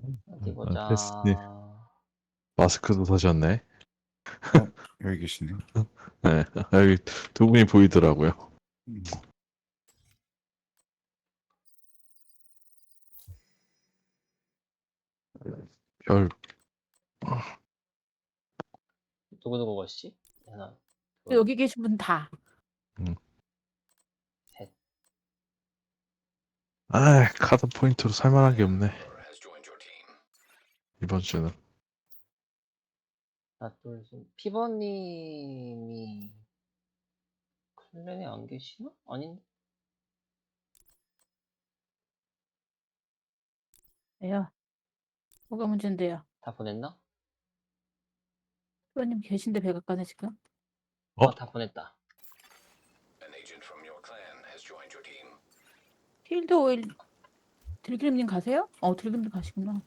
어디 패스님 보자. 마스크도 사셨네. 어, 여기 계시네. 네, 여기 두 분이 보이더라고요. 음. 별 누구누구 것이? 하나, 여기 계신 분 다. 셋. 카드 포인트로 살만한 게 없네. 이번 주는. 하나, 둘, 셋. 피버님이 클랜에 안 계시나? 아닌데? 왜요? 뭐가 문제인데요? 다 보냈나? 후보님 계신데 백악관에 지금? 어? 다 보냈다. 필드 오일 들기름님 가세요? 들기름님 가시구나.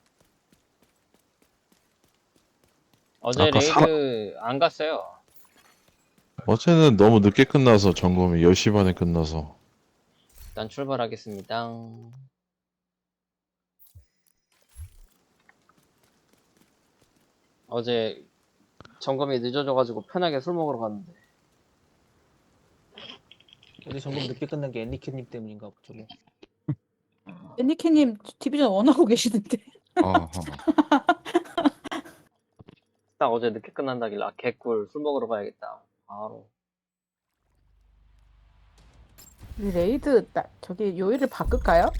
어제 아까 레이드 안 갔어요. 어제는 너무 늦게 끝나서 점검이 10시 반에 끝나서. 일단 출발하겠습니다. 어제 점검이 늦어져가지고 편하게 술 먹으러 갔는데. 어제 점검 늦게 끝난 게 앤리케님 때문인가 저거. 애니케님 디비전 원하고 계시는데. 어허. 딱 어제 늦게 끝난다길래 개꿀 술 먹으러 가야겠다. 바로. 우리 레이드 저기 요일을 바꿀까요?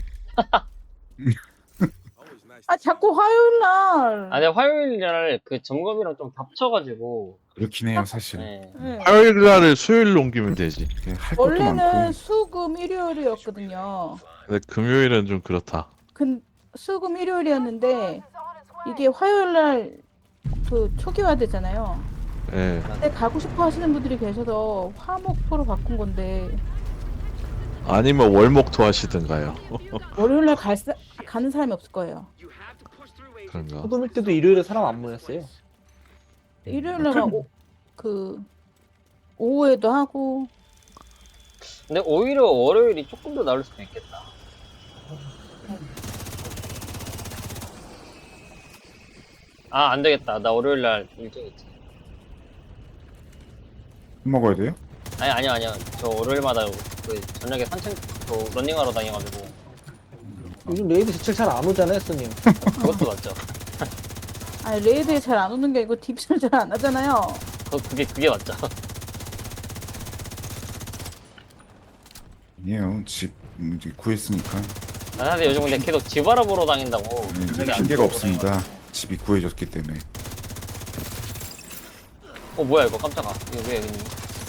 자꾸 화요일 날. 아니 화요일 날 그 점검이랑 좀 겹쳐가지고. 그렇긴 해요, 사실. 네. 네. 화요일 날을 수요일로 옮기면 되지. 할 것도 원래는 많고. 수금 일요일이었거든요. 근데 금요일은 좀 그렇다. 수금 일요일이었는데 이게 화요일 날 그 초기화되잖아요. 예. 근데 가고 싶어 하시는 분들이 계셔서 화목토로 바꾼 건데 아니면 월목토 하시든가요. 월요일 날 가는 사람이 없을 거예요. 그런가. 호도밀 때도 일요일에 사람 안 모였어요. 일요일 날만 오후에도 하고. 근데 오히려 월요일이 조금 더 나을 수도 있겠다. 안 되겠다. 나 월요일 날 일정 있지. 술 먹어야 돼요? 아니요. 저 월요일마다 그 저녁에 산책, 러닝하러 다녀가지고. 요즘 레이드 지칠 잘 안 오잖아요, 손님. 그것도 맞죠. 아니 레이드에 잘 안 오는 게 아니고 디비전 잘 안 하잖아요. 그게 맞죠. 아니에요. 집 이제 구했으니까. 근데 요즘 근데 계속 집 알아보러 다닌다고. 이제 저녁에 안 핑계가 들어오고 없습니다. 집이 구해졌기 때문에. 뭐야 이거 깜짝아. 이거 왜 여기 있니?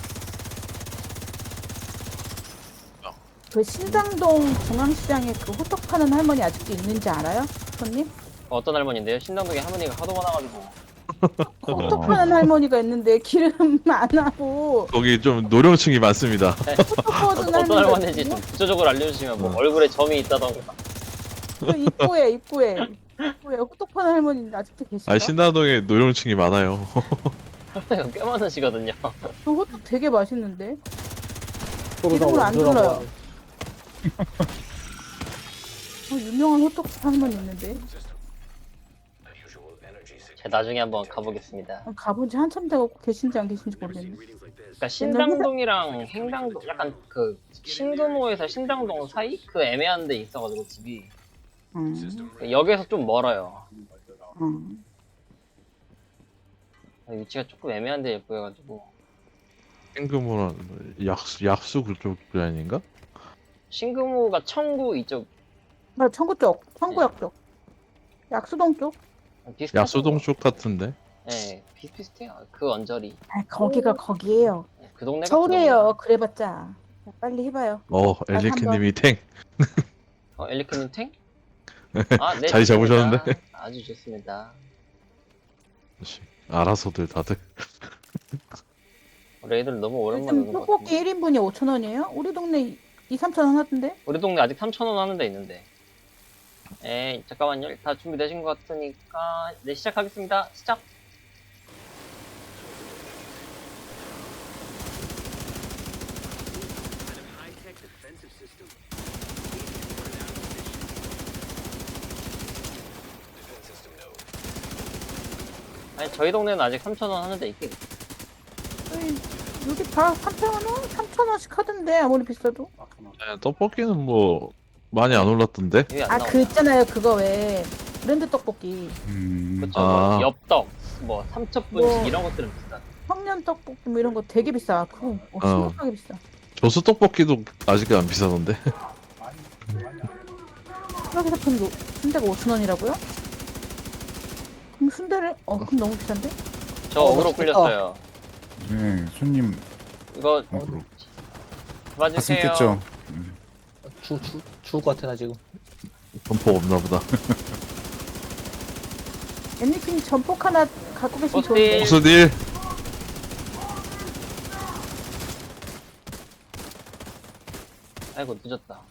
그 신당동 중앙시장에 그 호떡 파는 할머니 아직도 있는지 알아요? 손님? 어떤 할머니인데요? 신당동에 할머니가 하도 많아가지고. 호떡 파는 할머니가 있는데 기름 안 하고 거기 좀 노령층이 많습니다. 호떡 퍼주는 어떤 할머니가 할머니인지 좀 구체적으로 알려주시면 뭐 얼굴에 점이 있다던가. 그 입구에 호떡 파는 할머니 아직도 계시죠? 신당동에 노령층이 많아요. 할머니가 꽤 많으시거든요. 그 호떡 되게 맛있는데 서로 다 이름을 안 원조라고 불러요. 하네. 유명한 호떡 할머니 있는데 제가 나중에 한번 가보겠습니다. 가본 지 한참 되고 계신지 안 계신지 모르겠네. 그러니까 신당동이랑 행당동 약간 그 신금호에서 신당동 사이 그 애매한 데 있어가지고 집이 역에서 좀 멀어요. 위치가 조금 애매한 데에 보여가지고. 생금호랑 약수 그쪽 아닌가? 신금호가 청구 이쪽 나 청구 쪽, 청구역 쪽, 약수동 쪽. 비슷하죠. 약수동 쪽 같은데. 네, 비슷비슷해요. 그 언저리. 거기가 거기예요. 그 동네가 서울이에요. 그래봤자. 빨리 해봐요. 엘리크님이 탱. 엘리크님 탱? 네. 자리 좋습니다. 잡으셨는데? 아주 좋습니다. 알아서들 다들. 레이드를 너무 오랜만에 요즘 오는 것 떡볶이 같은데. 1인분이 5,000원이에요? 우리 동네 2-3,000원 하던데? 우리 동네 아직 3,000원 하는 데 있는데. 잠깐만요. 다 준비되신 것 같으니까 네, 시작하겠습니다. 시작. 아니 저희 동네는 아직 3,000원 하는데 있긴 있어. 여기 다 3,000원? 3,000원씩 하던데 아무리 비싸도. 네, 떡볶이는 뭐 많이 안 올랐던데? 여기 안 아 나오나? 그 있잖아요 그거 왜 브랜드 떡볶이 그쵸 아. 뭐 엽떡 뭐 삼첩분식 뭐. 이런 것들은 비싸. 청년 떡볶이 뭐 이런 거 되게 비싸. 그거 심각하게 비싸. 조수 떡볶이도 아직 안 비싸던데? 여기서 판 순대가 5,000원이라고요? 그럼 순대를 그럼 너무 비싼데? 저 어그로 맛있겠다. 끌렸어요. 네, 손님 이거 어그로. 가슴 봐주세요. 깼죠? 죽을 것 같아 나 지금. 점포 없나 보다. 엠니님 전폭 하나 갖고 계시면 어때? 좋은데. 보스딜! 아이고 늦었다.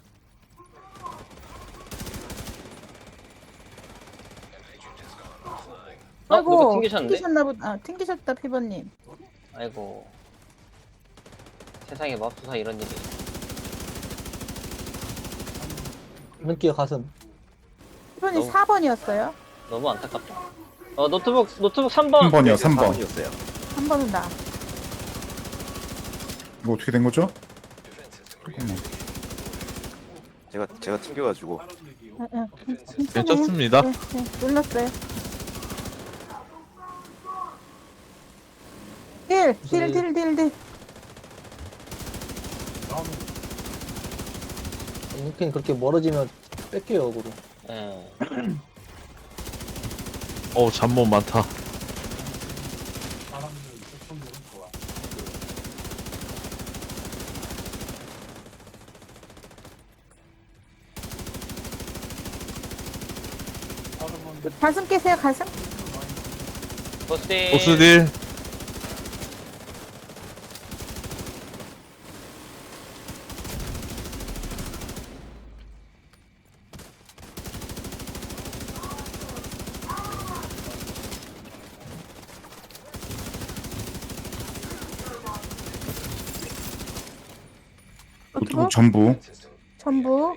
누가 아이고 튕기셨는데? 튕기셨나 보다. 튕기셨다 피버님. 아이고 세상에 맙소사 이런 일이. 눈기가 가슴. 피버님 너무- 4번이었어요. 너무 안타깝다. 노트북 3번. 3번이요, 3번. 3번은 나. 이거 어떻게 된 거죠? 잠깐만. 제가 튕겨가지고 괜찮습니다. 네, 눌렀어요. 딜. 눈기는 그렇게 멀어지면 뺏겨요 어그로. 예. 어우, 잠못 많다. 가슴 깨세요 가슴. 보스딜. 보스딜! 노트북 전부. 전부.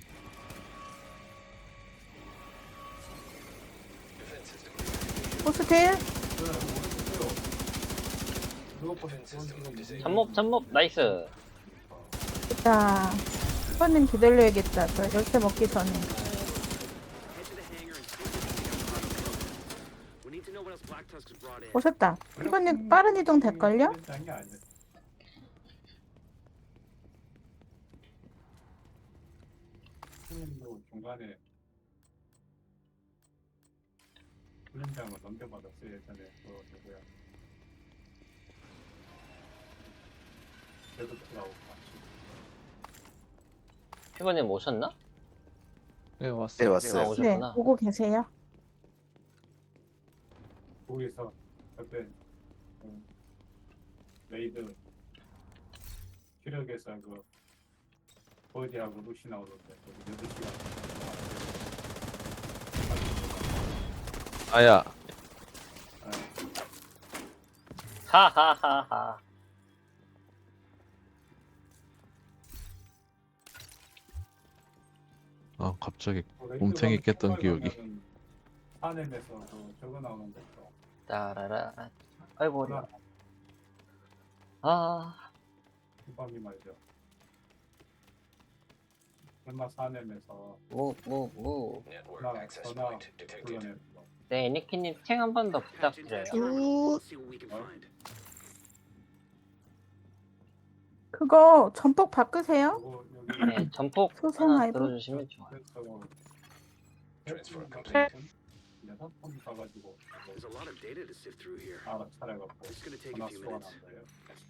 보스 딜. 잠몹 나이스. 자, 피버님 기다려야겠다. 저 열쇠 먹기 전에. 오셨다. 피버님 빠른 이동 될걸요? 중간에 훈련장을 넘겨받았어요. 예전에 그 누구야 데드풀하고 같이 피버님 오셨나? 네 네 왔어요. 왔어요. 아, 네, 오셨구나. 오고 계세요. 거기서 그때 레이드 기력에서 그 버디하고 루시 나오던데 거기 8시간 아야. 하하하하. 아, 갑자기 곰탱이 깼던 기억이. 산에서 그 저거 나오는 것도 따라라. 아이고 어려. 하나 아 후방이 말이죠. 얼마 산에서 무. 전화 불러내는 거. 네 애니키님 탱 한 번 더 부탁드려요. 그거 전폭 바꾸세요. 그리고 여기 네 전폭 소생 하나 아이브. 들어주시면 좋아요. 그래서 여섯 번 가가지고 알아차려갖고 전화 수가 난 거예요.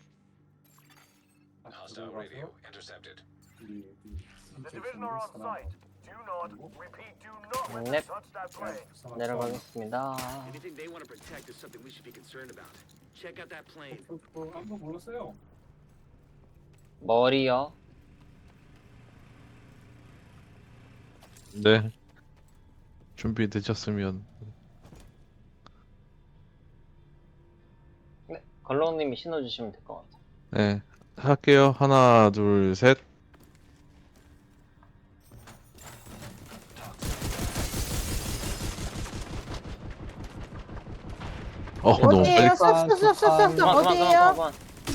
다시 들어가서 넵 내려가겠습니다. 한번 몰랐어요. 머리요. 네. 준비되셨으면. 네 걸렁님이 신어주시면 될 것 같아요. 네. 할게요. 하나, 둘, 셋. 너무 빨리. 어디에요? 쏙쏙쏙쏙쏙 그만 어디에요? 그만.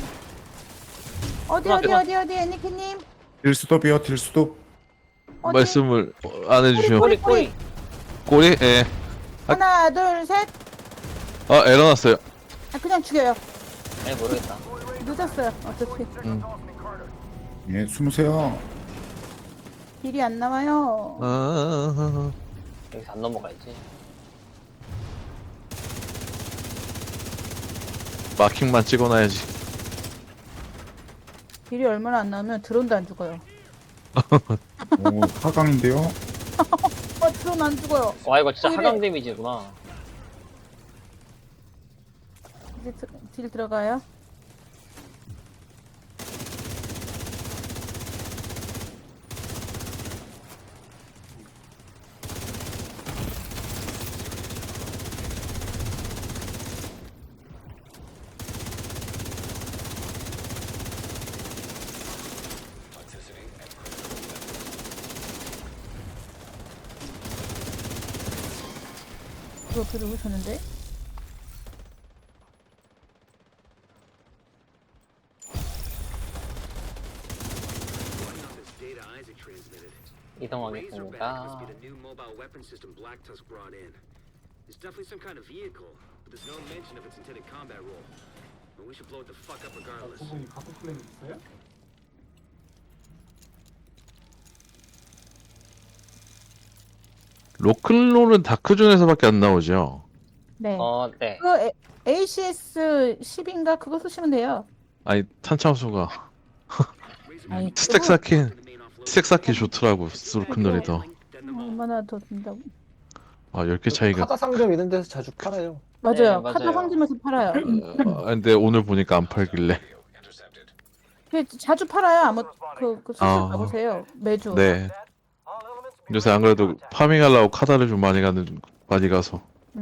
어디 애니키님? 딜스톱이요, 딜스톱. 어디? 말씀을 안 해주셔. 꼬리 꼬리. 꼬리? 예. 하나 둘 셋. 에러 났어요. 아, 그냥 죽여요. 아니 모르겠다. 늦었어요. 어차피 예, 숨으세요. 딜이 안 나와요. 여기서 안 넘어가야지. 마킹만 찍어놔야지. 딜이 얼마나 안 나오면 드론도 안 죽어요. 오, 4강인데요. 드론 안 죽어요. 와 이거 진짜 이래. 하강 데미지구나. 이제 딜 들어가요. 이거 들어오셨는데? 이동하겠습니다. It's definitely some kind of vehicle, but there's no mention of its intended combat role. But we should blow it the fuck up regardless. 부분이 갖고 플랜 있어요? 로클롤은 다크 존에서밖에 안 나오죠. 네. 네. 그 ACS 10인가 그거 쓰시면 돼요. 아니 탄창수가 아니, 스택 쌓기 좋더라고. 로클롤이 더. 얼마나 더 든다고? 10개 차이가. 카다 상점 이런 데서 자주 팔아요. 맞아요. 맞아요. 카드 상점에서 팔아요. 근데 오늘 보니까 안 팔길래. 자주 팔아요. 아무 그 수술 아. 가보세요. 매주. 네. 요새 안 그래도 파밍하려고 카다를 좀 많이 가서.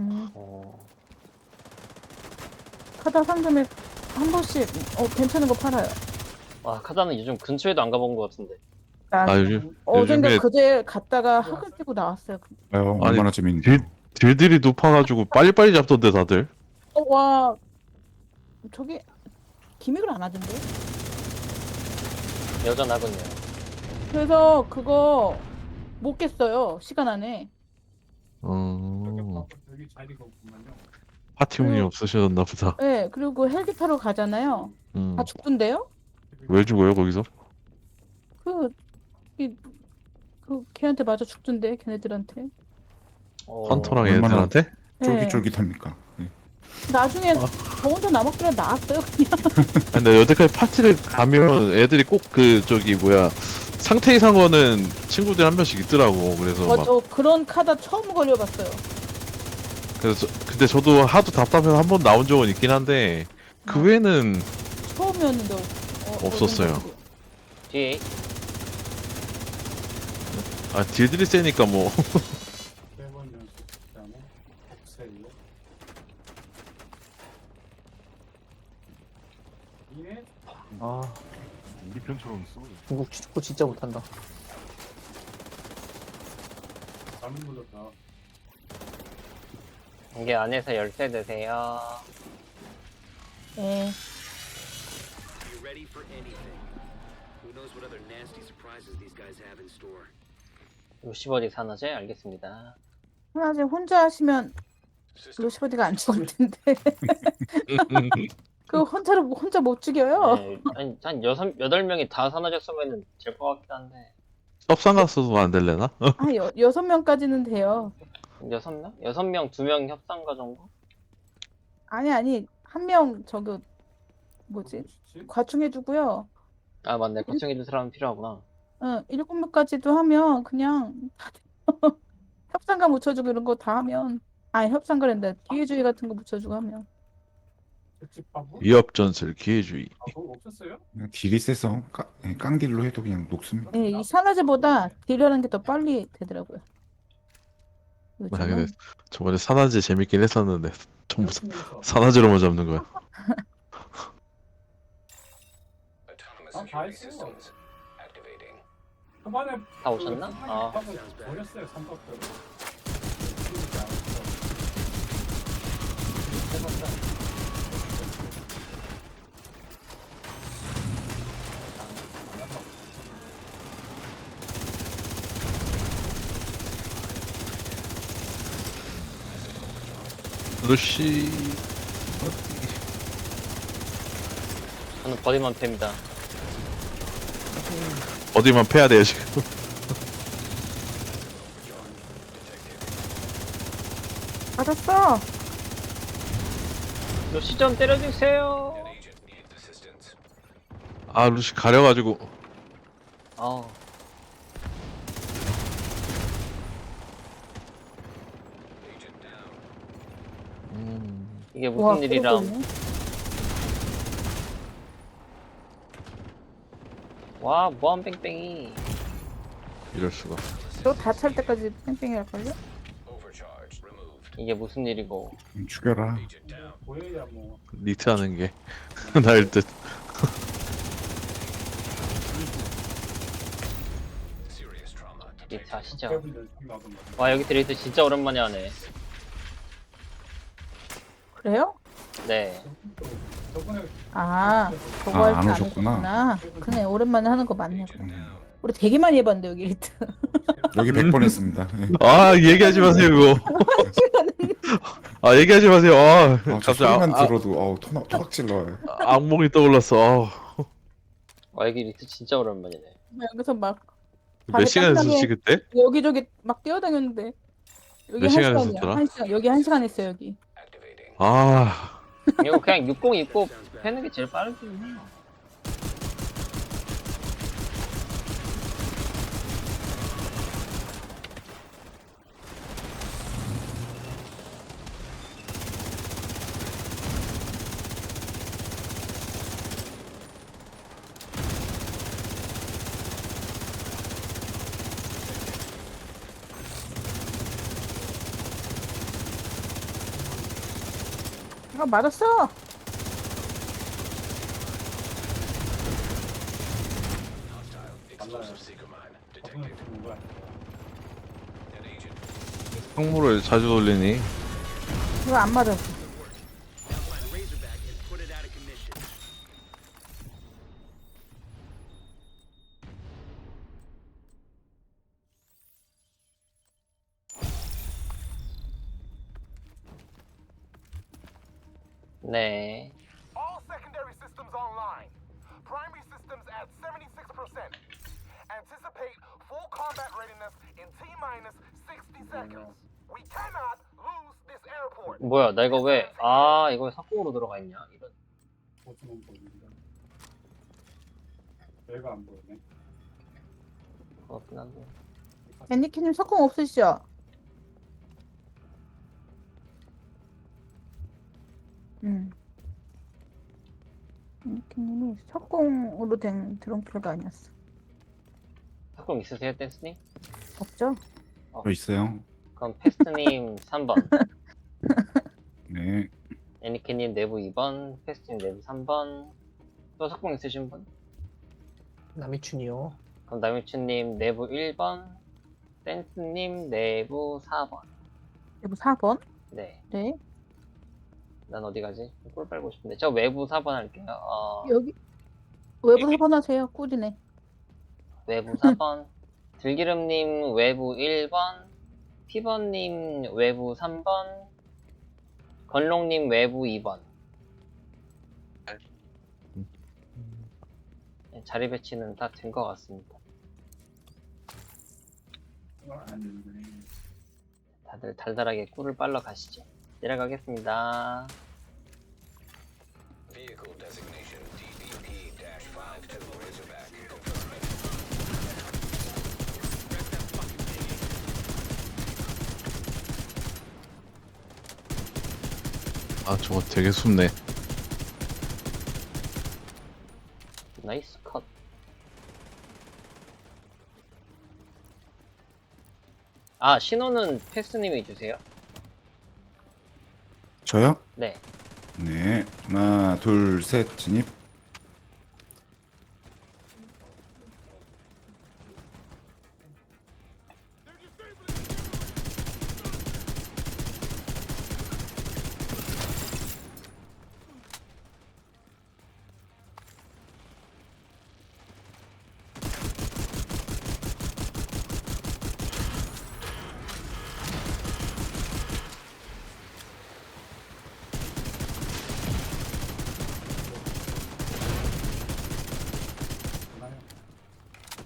카드 상점에 한 번씩 괜찮은 거 팔아요. 와 카자는 요즘 근처에도 안 가본 것 같은데. 요즘에 어젠가 그제 갔다가 학을 뛰고 나왔어요. 아유, 아니, 얼마나 재밌는데. 딜들이 높아가지고 빨리빨리 잡던데 다들. 와 저기 기믹을 안 하던데. 여전하군요. 그래서 그거 못 깼어요. 시간 안에. 여기 자리가 없구만요. 파티 운이 없으셨나 보다. 네. 그리고 헬기 타러 가잖아요. 다 죽던데요? 왜 죽어요 거기서? 걔한테 맞아 죽던데 걔네들한테. 헌터랑 얼마나- 애들한테? 네. 쫄깃쫄깃합니까? 예. 나중에 저 혼자 남았길래 나왔어요 그냥. 근데 여태까지 파티를 가면 애들이 꼭 상태 이상 거는 친구들 한 명씩 있더라고. 그래서 막 저 그런 카드 처음 걸려봤어요. 근데 저도 하도 답답해서 한 번 나온 적은 있긴 한데 그 외에는 처음이었는데 없었어요. 뒤에 딜들이 세니까 뭐. 100원 연속 그다음에 복셀로. 이네 아 우리 편처럼 써. 중국 축구 진짜 못한다. 잘못 눌렀다. 이게 안에서 열쇠 드세요. 네. Be ready for anything. Who knows what other nasty surprises these guys have in store. 50어디 산화제 알겠습니다. 하나제 혼자 하시면 로시버디가 안 죽을 텐데. 그 혼자 못 죽여요. 네, 한 8명이 다 산화제 쓰면은 될 것 같긴 한데. 협상 갔어도 안 될래나? 6명까지는 돼요. 6명? 6명, 2명 협상가 정도? 아니 한 명 저기 뭐지 과충해주고요. 아 맞네. 걱정해줄 사람은 필요하구나. 7명까지도 하면 그냥 협상가 묻혀주고 이런 거 다 하면 협상가랜다. 기회주의 같은 거 묻혀주고 하면 특집하고? 위협전술 기회주의. 그거 없었어요? 그냥 딜이 세서 깡딜로 해도 그냥 녹습니다. 네, 이 산화제보다 딜하는 게 더 빨리 되더라고요. 요즘은. 근데 저번에 산화제 재밌긴 했었는데 전부 산화제로만 잡는 거야. 다 했어요. 초반에 다 오셨나? 버렸어요. 삼박대로. 루시 저는 버디만 팹니다. 어디만 패야 돼요 지금. 맞았어. 루시 좀 때려주세요. 아 루시 가려가지고. 어. 이게 무슨 와, 일이람. 그러고 와, 뭐한 뺑뺑이. 이럴 수가. 너다 찰 때까지 뺑뺑이 할걸요? 이게 무슨 일이고. 죽여라. 보여야 뭐 니트하는 게 나일 듯. 리트 하시죠. 패브들 나던가. 와, 여기 드레이트 진짜 오랜만에 하네. 그래요? 네. 저번에 아, 그거 아, 할 안 때 안 오셨구나. 오셨구나. 그네, 오랜만에 하는 거 맞네. 우리 되게 많이 해봤는데, 여기 리트. 여기 100번 했습니다. 네. 아 얘기하지 마세요 그거. 아 얘기하지 마세요. 아 저 갑자기 소리만 들어도 토각질 나와요. 악몽이 떠올랐어. 와, 여기 리트 진짜 오랜만이네. 여기서 막 몇 시간 깜깜하게 했었지 그때? 여기저기 막 뛰어다녔는데. 여기 몇 시간 1시간이야. 했었더라? 1시간. 여기 1시간 했어요, 여기. 아 이거 그냥 60 입고 패는 게 제일 빠르긴 해요. 아, 맞았어. 저번에 누가 항모를 자주 돌리니. 이거 안 맞았어. Outline Razorback and put it out of commission. 네. All secondary systems online. Primary systems at 76%. Anticipate full combat readiness in T-minus 60 seconds. We cannot lose this airport. 뭐야, 나 이거 왜, 이거 왜 석공으로 들어가 있냐. 이런. 보시면 보입니다. 내가 안 보이네. 그렇긴 한데. 애니키님 석공 없으시죠? 애니키님이 석공으로 된 드론킬가 아니었어. 석공 있으세요, 댄스님? 없죠? 저 있어요. 그럼 패스트님 3번, 네. 애니케님 내부 2번, 패스트님 내부 3번. 또 석공 있으신 분? 남이춘이요. 그럼 남유춘님 내부 1번, 댄스님 내부 4번. 여보 4번? 네. 네. 난 어디 가지? 꿀 빨고 싶은데. 저 외부 4번 할게요. 여기 외부 4번 하세요. 꿀이네. 외부 4번. 들기름님 외부 1번. 피버님 외부 3번. 건롱님 외부 2번. 네, 자리 배치는 다 된 것 같습니다. 아니네. 다들 달달하게 꿀을 빨러 가시죠. 내려가겠습니다. 아 저거 되게 숨네. 나이스 컷. 신호는 패스님이 주세요. 저요? 네. 네. 하나, 둘, 셋, 진입.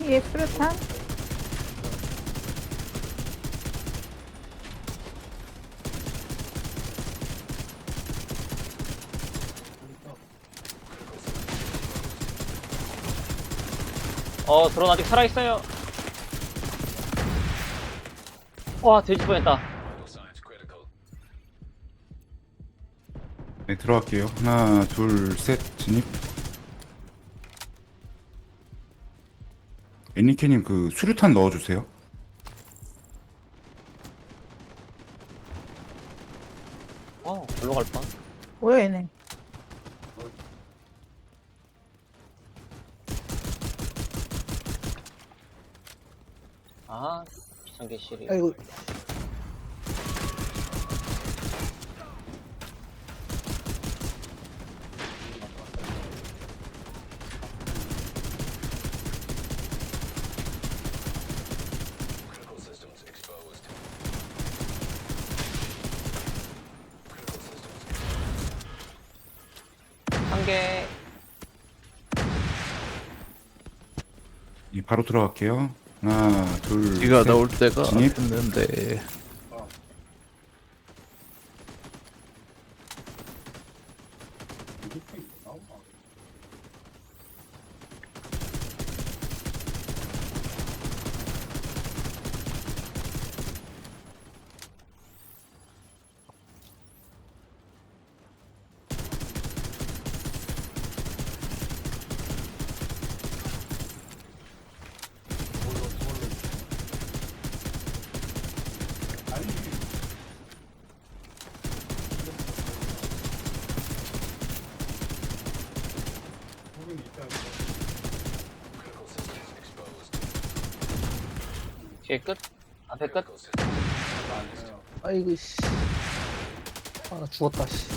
예, 수류탄. 드론 아직 살아있어요. 와, 돼지 뻔했다. 네, 들어갈게요. 하나, 둘, 셋, 진입. 애니케님 그 수류탄 넣어주세요. 글로 갈 뻔. 뭐야, 얘네. 아, 비상계 실이. 아이고. 한 개. 예, 바로 들어갈게요. 하나, 둘, 비가 셋. 나올 때가 진입. 됐는데. 뒤에 끝. 앞에 끝. 아이고 씨. 아, 나 죽었다 씨.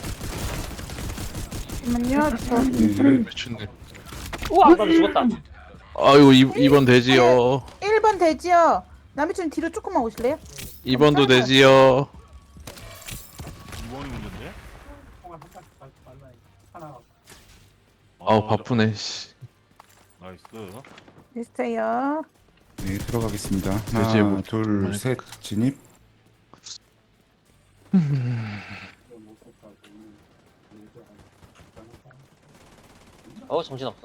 잠깐만요. 저 네, 미친네. 우와, 나도 죽었다. 아이고 2번 되지요. 1번 되지요. 남이춘 뒤로 조금만 오실래요? 2번도 되지요. 이번이 문제인데? 통화 한 가지 빨라. 하나. 아우 바쁘네. 씨. 나이스. 됐어요. 네, 들어가겠습니다. 돼지의 하나, 목- 둘, 셋, 진입. 정신없어.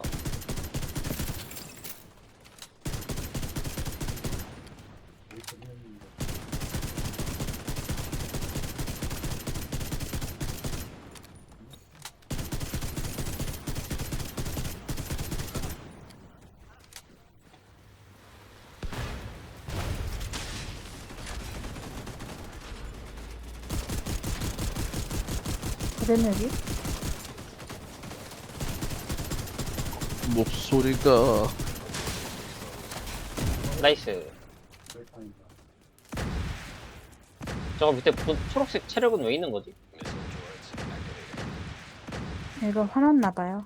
그랬네, 여기. 목소리가 나이스. 저거 밑에 초록색 체력은 왜 있는 거지? 이거 화났나봐요.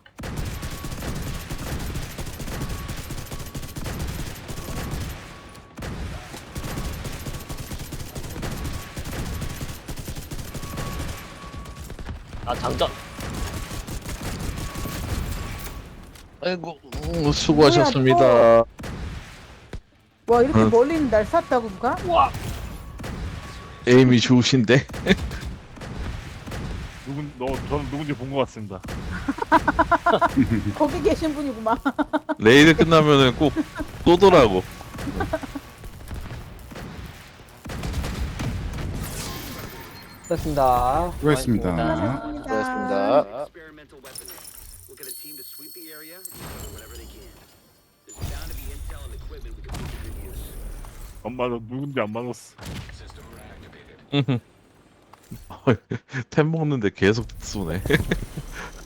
아, 장전. 아이고 수고하셨습니다. 와, 이렇게 응. 멀리 있는 날 쐈다고, 누가? 우와. 에임이 좋으신데. 저는 누군지 본 것 같습니다. 거기 계신 분이구만. 레이드 끝나면은 꼭 쏘더라고. 됐습니다. 수고했습니다. 수고하셨습니다. Experimental weaponry. We'll get a team to sweep the area and cover whatever they can. There's bound to be intel and equipment we can put to good use. 안 맞아. 누군지 안 맞았어. 템 먹는데 계속 쏘네.